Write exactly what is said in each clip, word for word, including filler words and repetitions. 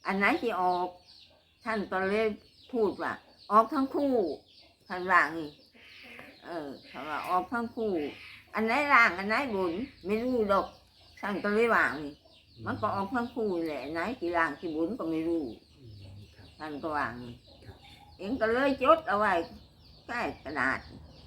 อันไหนที่ออกท่านก็เลยพูดว่าออกทั้งคู่ท่านว่างี้เออท่านว่าออกทั้งคู่อันไหนล่างอันไหนบนไม่รู้ดอกท่านก็เลยว่างี้มันก็ออกทั้งคู่แหละไหนที่ล่างที่บนก็ไม่รู้ท่านก็ว่างี้เองก็เลยจดเอาไว้ใต้กระดาษ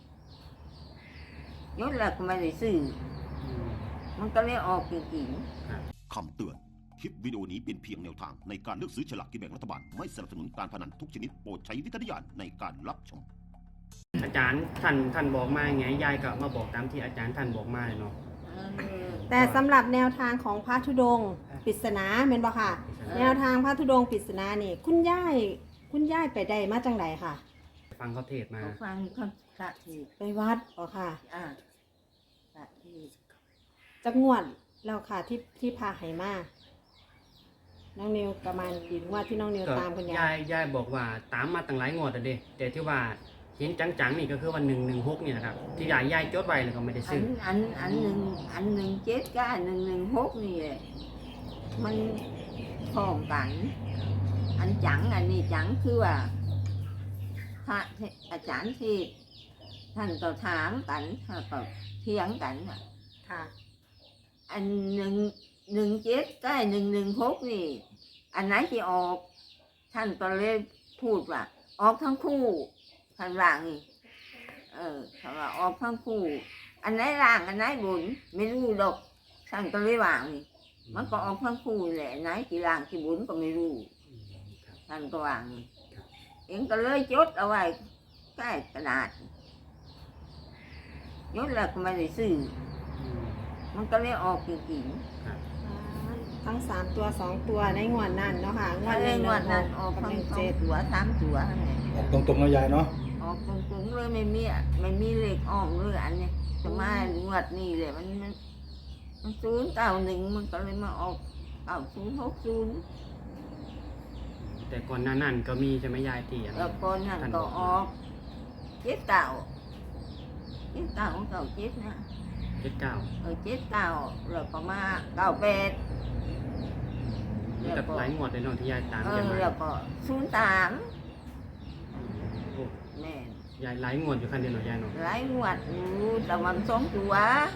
ยศแล้วก็ไม่ได้ซื้อมันก็เลยออกจริงๆคำเตือนคลิปวิดีโอนี้เป็นเพียงแนวทางในการเลือกซื้อฉลากกินแบ่งรัฐบาลไม่สนับสนุนการพนันทุกชนิดโปรดใช้วิจารณญาณในการรับชมอาจารย์ท่านท่านบอกมาไงยายก็มาบอกตามที่อาจารย์ท่านบอกมาเลยเนาะแต่สำหรับแนวทางของพระธุดงค์ปริศนาเห็นบ่ค่ะแนวทางพระธุดงค์ปริศนานี่คุณย่ายคุณย่ายไปได้มาจังไดค่ะฟังเขาเทศมาฟังเขาพระเทศไปวัดบ่ค่ะอ่าพระเทศจักงวดแล้วค่ะที่ที่พาไหมาน้องนิวประมาณกี่งวดที่น้องนิวตามคุณยายยายยายบอกว่าตามมาตั้งหลายงวดแล้วเด้แต่ที่ว่าเห็นจังๆนี่ก็คือวันหนึ่งหนึ่งหกนี่แหละครับที่ยายยายจดไว้แล้วก็ไม่ได้ซื้ออันอันหนึ่งอันหนึ่งเจ็ดกับอันหนึ่งหนึ่งหกนี่มันพร้อมกันอันจังอันนี้จังคือว่าพระอาจารย์ที่ท่านก็ถามกันท่านก็เถียงกันค่ะอันหนึ่งหนึ่งเจ็ดกับหนึ่งหนึ่งหกนี่อันไหนที่ออกท่านก็เลยพูดว่าออกทั้งคู่ท่านว่างี้เออท่านว่าออกทั้งคู่อันไหนล่างอันไหนบนไม่รู้ดอกท่านก็เลยว่างี้มันก็ออกทั้งคู่แหละไหนที่ล่างที่บนก็ไม่รู้ท่านก็ว่างี้เองก็เลยจดเอาไว้ใต้กระดาษยศแล้วก็ไม่ได้ซื้อมันก็เลยออกจริงๆทั้งสามตัวสองตัวในงวดนั้นเนาะค่ะงวดในงวดนั้นออกทั้งสองตัวสามตัวออกตรงๆนะยายเนาะออกตรงๆเลยไม่มีไม่มีเลขอ้อมเลยอันนี้จะมางวดนี้เลยมันมันมันศูนย์เก้าหนึ่งมันก็เลยมาออกเก้าศูนย์หกศูนย์แต่ก่อนหน้านั้นก็มีใช่ไหมยายที่แล้วก่อนนั้นก็ออกเจ็ดเก้าเจ็ดเก้าเก้าเจ็ดนะเจ็ดเก้าเออเจ็ดเก้าแล้วก็มาเก้าแปดแล้วก็หลายงวดเลยเนาะที่ยายตามเออแล้วก็ศูนย์สามแม่ยายหลายงวดอยู่คันเดียวเนาะยายเนาะหลายงวดอยู่แต่มันสองตัว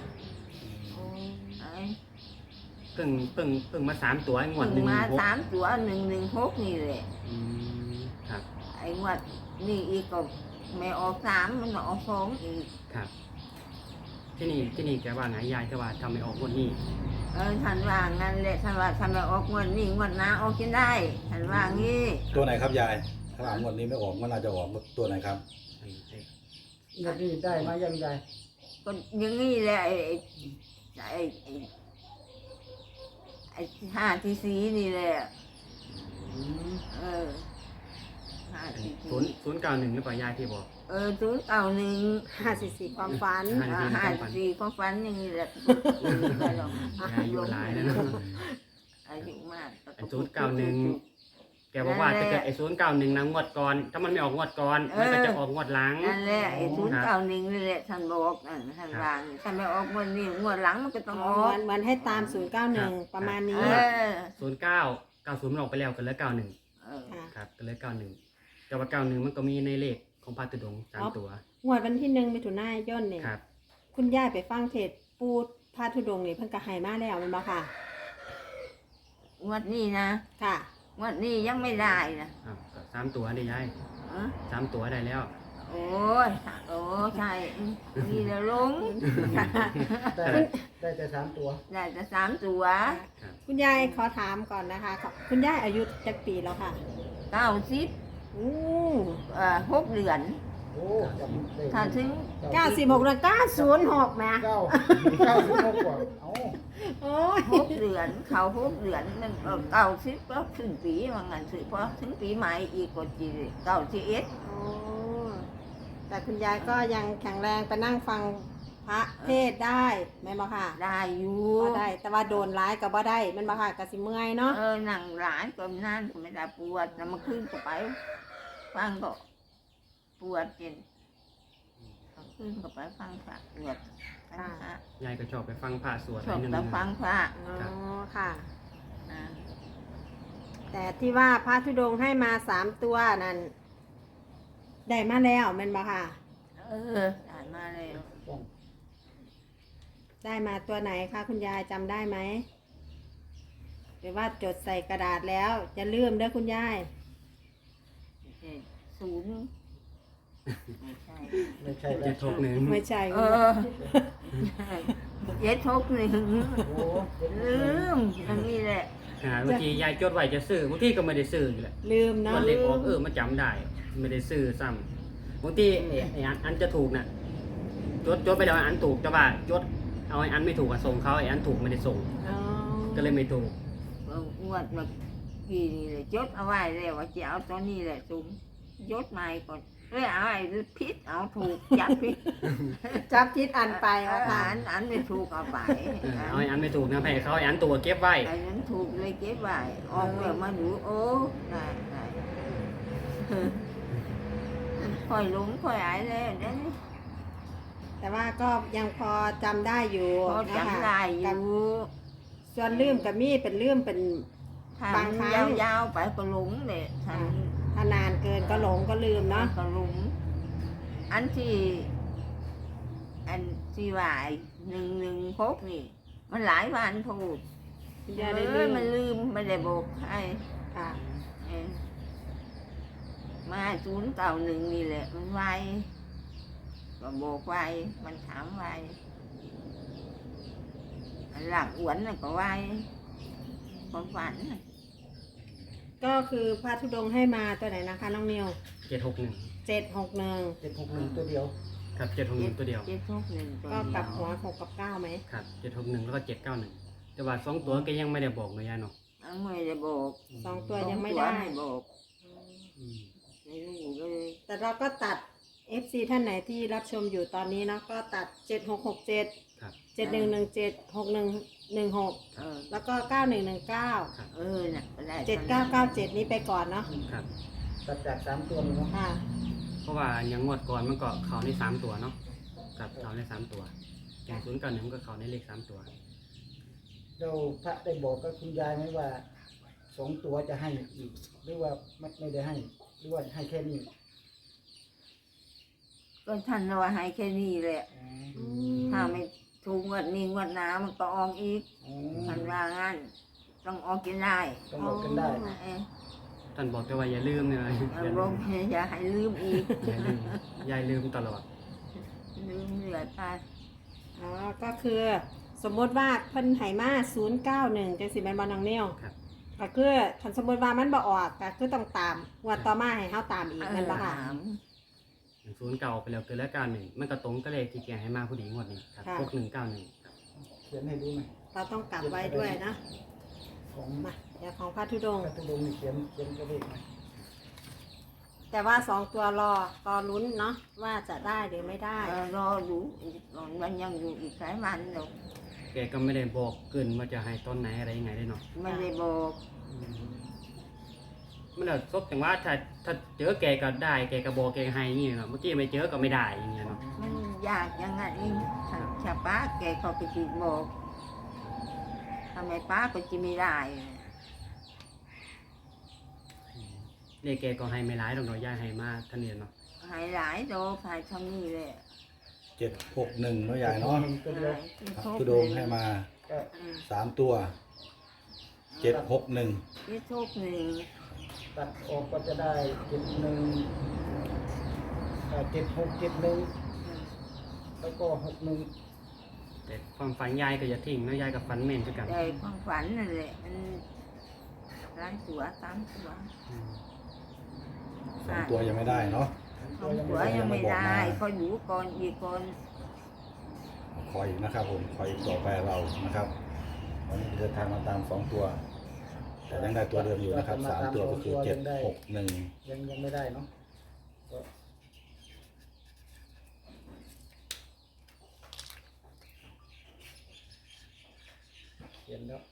เพิ่งเพิ่งเพิ่งมาสามตัวงวดหนึ่งมาสามตัวหนึ่งหนึ่งหกนี่แหละครับไอ้งวดนี่อีกก็ไม่ออกสามมันออกสองอีกครับที่นี่ที่นี่แกว่าไงยายแกว่าทำไม่ออกงวดนี้เออท่านว่างั้นแหละท่านว่าทำไม่ออกงวดนี้งวดหน้าออกกินได้ท่านว่างี้ตัวไหนครับยายถ้างวดนี้ไม่ออกงวดหน้าจะออกตัวไหนครับงวดนี้ได้มายังไงก็อย่างนี้แหละไอ้ไอ้ไอ้ไอ้ห้าที่สีนี่แหละเออห้าที่ศูนย์ศูนย์เก้าหนึ่งหรือเปล่ายายที่บอกเออศูนย์เก้าหนึ่งห้าสี่สี่ความฝันห้าสี่ความฝันอย่างนี้แหละอายุหลายแล้วนะอายุมากศูนย์เก้าหนึ่งแกบอกว่าจะเกิดไอ้ศูนย์เก้าหนึ่งนะงวดก่อนถ้ามันไม่ออกงวดก่อนมันก็จะออกงวดหลังนั่นแหละไอ้ศูนย์เก้าหนึ่งนี่แหละท่านบอกท่านวางท่านไม่ออกงวดนี้งวดหลังมันก็ต้องออกมันให้ตามศูนย์เก้าหนึ่งประมาณนี้ศูนย์เก้าเก้าศูนย์มันออกไปแล้วกันแล้วเก้าหนึ่งครับกันแล้วเก้าหนึ่งแต่ว่าเก้าหนึ่งมันก็มีในเลขของพระธุดงค์สามตัวงวดวันที่หนึ่งมิถุนายนเนี่ยคุณย่าไปฟังเทศปูพระธุดงค์นี่เพิ่งกระหายมาแล้วมันบ่ค่ะงวดนี้นะค่ะงวดนี้ยังไม่ได้นะอ้าวสามตัวได้ยายสามตัวได้แล้วโอ้ยโอ้ใช่นี่แล้วลงได้แต่สามตัวได้แต่สามตัวคุณยายขอถามก่อนนะคะคุณยายอายุจักปีแล้วค่ะเก้าสิบอู้อ่าหกเดือนโอ้ถ้าถึงเก้าสิบหกเดือนเก้าศูนย์หกแม่เก้าเก้าสิบหกกว่าเอ้าโอ้ยหกเดือนเขาหกเดือนมันเก้าสิบก็ถึงปีว่างั้นสิเพราะถึงปีใหม่อีกก็จีเก้าสิบเอ็ดแต่คุณยายก็ยังแข็งแรงไปนั่งฟังพระเทศได้ไหมบ่ค่ะได้อยู่ก็ได้แต่ว่าโดนร้ายก็บ่ได้มันบ่ค่ะก็สิเมื่อยเนาะเออนั่งร้ายก็นั่นก็ไม่ได้ปวดแล้วมาขึ้นก็ไปฟังก็ปวดจริงขึ้นก็ไปฟังพระปวดยายก็ชอบไปฟังพระสวดชอบไปฟังพระอ๋อค่ะแต่ที่ว่าพระธุดงค์ให้มาสามตัวนั่นได้มาแล้วแม่นบ่ค่ะเออได้มาแล้วป้องได้มาตัวไหนคะคุณยายจำได้ไหมหรือว่าจดใส่กระดาษแล้วจะลืมเด้อคุณยายเจ็ดศูนย์ไม่ใช่ไม่ใช่แล้เจ็วดหกหนึ่งไม่ใช่เออเจ็ดหกหนึ่งโอ้เป็นลืมอันนี้แหละหาบางทียายจดไว้จะซื้อบางทีก็ไม่ได้ซื้ออยู่แหละลืมเนาะวันเล็กออกเออมาจำได้ ไม่ได้ซื้อซ้ำบางทีไอ้ไอ้อันอันจะถูกน่ะจดจดไปแล้วอันถูกแต่ว่าจดเอาไอ้อันไม่ถูกอะส่งเขาไอ้อันถูกไม่ได้ส่งอ๋อก็เลยไม่ถูกงวดเมื่อกี้นี่เลยจดเอาไว้แล้วว่าจะเอาตัวนี้แหละจุ้มยศใหม่ก่อนเลยเอาไอ้พิษเอาถูกจับพิษจับทิศอันไปเอาว่าค่ะอันอันไม่ถูกเอาไปเออเอาไอ้อันไม่ถูกนะแพ้เขาไอ้อันตัวเก็บไว้ไอ้นั้นถูกเลยเก็บไว้ออกแล้วมาดูโอ้ได้ได้ค่อยหลงค่อยหายแล้วเดี๋ยวนี้แต่ว่าก็ยังพอจำได้อยู่พอนะคะจำได้อกับยู่ส่วนลืมกับมีเป็นลืมเป็นถ้าบางมันครั้งยาวๆไปก็หลงเลยถ้าถ้านานเกินก็หลงก็ลืมเนาะก็หลงอันที่ อันที่ว่าไอ้หนึ่งหนึ่งหกนี่ มันหลายวันพูดคุณเอยายได้อลืมมันลืมไม่ได้บอกให้ค่ะเออมาศูนย์เก่าหนึ่งนี่แหละ มันไวก็บอกไวมันถามไวอันหลักอ้วนน่ะก็ไวความฝันน่ะก็คือพระธุดงค์ให้มาตัวไหนนะคะน้องนิวเจ็ดหกหนึ่งเจ็ดหกหนึ่งเจ็ดหกหนึ่งตัวเดียวครับเจ็ดหกหนึ่งตัวเดียวเจ็ดทุกหนึ่งตัวก็เดีกลับยวหัวหกกับเก้าไหมครับเจ็ดหกหนึ่งแล้วก็เจ็ดเก้าหนึ่งแต่ว่าสองตัวก็ยังไม่ได้บอกเลยยายเนาะอันไม่ได้บอกสองตัวยังไม่ได้สอตัวไม่บอกอืมไม่รู้เลยแต่เราก็ตัด เอฟ ซี ท่านไหนที่รับชมอยู่ตอนนี้เนาะก็ตัดเจ็ดหกหกเจ็ดครับเจ็ดหนึ่งหนึ่งเจ็ดหกหนึ่งหนึ่งหกเออแล้วก็เก้าหนึ่งหนึ่งเก้าเออน่ะก็ได้เจ็ดเก้าเก้าเจ็ดนี้ไปก่อนเนาะครับตัดจากสามตัวนี่เนาะค่ะเพราะว่าอย่างงวดก่อนมันก็เขาในสามตัวเนาะครับเขาในสามตัวอย่างศูนย์เก้าหนึ่งมันก็เขาในเลขสามตัวเราพระได้บอกกับคุณยายไหมว่าสองตัวจะให้อีกหรือว่าไม่ไม่ได้ให้ หรือว่าให้แค่นี้ก็ท่านว่าให้แค่นี้แหละอ๋อถ้าไม่ถูกงวดนี้งวดหน้ามันก็ออกอีกอ๋อท่านว่างั้นต้องออกกินได้ต้องบอกกันได้เอ้ยท่านบอกแต่ว่าอย่าลืมเนี่ยอย่าเอาลืลมงอย่าให้ลืมอีกอย่าลืมยายลืมตลอดลืมเหลือไปอ๋อ ก็คือสมมติว่าเพิ่นไหมาศูนย์เก้าหนึ่งจังสิแม่นบ่น้องเนี่ยวครับก็คือคันสมมติว่ามันบ่ออกก็คือต้องตามงวดต่อมาให้เฮาตามอีกแม่นบ่ค่ะถามอย่างศูนย์เก่าไปแล้วเกินแล้วเก้าหนึ่งมันก็ตรงก็เลขที่แกให้มาผู้ดีงวดนี้ครับค่ะหกหนึ่งเก้าหนึ่งเขียนให้ดูหน่อยเราต้องกลับไว้ด้วยนะของมาเดี๋ยวของพระธุดงพค์ระตุดงค์นี่เขียนเขียนตัวเลขหน่อยแต่ว่าสองตัวรอรอลุ้นเนาะว่าจะได้หรือไม่ได้เออรอดูอีกก่อนมันยังอยู่อีกหลายวันหรอกแกก็ไม่ได้บอกเกินว่าจะให้ต้นไหนอะไรยังไงได้เนาะไม่ได้บอกมันแบบซบอย่างว่าถ้าถ้าเจอแกก็ได้แกก็บอกแกก็ให้อย่างเงี้ยเนาะเมื่อกี้ไม่เจอก็ไม่ได้อย่างเงี้ยเนาะมันยากอยังไงเองถ้าถ้าป้าแกเขาไปจีบบอกทำไมป้าก็จะไม่ได้เลขแกก็ให้ไม่ร้ายหรอกเนาะย่าให้มาท่านเนี่ยเนาะหายหลายโดหายทำนี่แหละเจ็ดหกหนึ่งเนาะยายเนาะตัวเดียวพระธุดงค์ให้มาก็สามตัวเจ็ดหกหนึ่งที่โชคหนึ่งตัดออกก็จะได้เจ็ดหนึ่งเจ็ดหกเจ็ดหนึ่งแล้วก็หกหนึ่งแต่ความฝันยายก็อย่าทิ้งเนาะยายกับฝันเม่นคือกันใจความฝันนั่นแหละมันร้านตัวสามตัวอืมสองตัวยังไม่ได้เนาะสองตัวยังไม่ได้ก็อยู่ก่อนอีกก่อนคอยอีกนะครับผมคอยอีกต่อไปเรานะครับวันนี้เดินทางมาตามสองตัว แต่ยังได้ตัวเดิมอยู่นะครับสามตัวก็คือเจ็ดหกหนึ่งยังยังไม่ได้เนาะก็เขียนแล้ว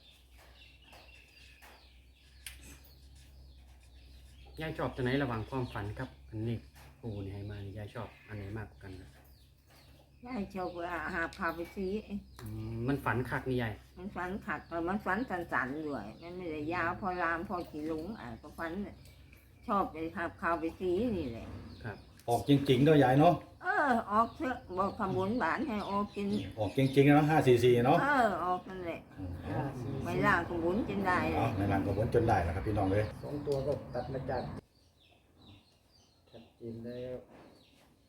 ยายชอบตัวไหนระหว่างความฝันกับอันนี้ปูนี่ให้มานี่ยายชอบอันไหนมากกว่ากันนะยายชอบว่าหาพาไปซีอืมมันฝันคักนี่ยายมันฝันขัดแต่มันฝันสันๆด้วยมันไม่ได้ยาวพอรามพอขี่ลุงอ่ะก็ฝันชอบไปหาพาไปซีนี่แหละครับออกจริงๆเนาะยายเนาะเออออกเถอะบอกคำบุญบานให้ออกกินออกจริงๆเนาะห้าสี่สี่เนาะเออออกนั่นแหละอืมห้าสี่ไม่ล่างคำบุญกินได้เลเอายในรังกระบวนจนได้นะครับพี่น้องเลยสองตัวก็ตัดมาจากชัดเจนแล้ว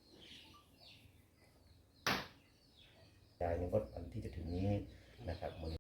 ยายในงวดวันที่จะถึงนี้นะครับ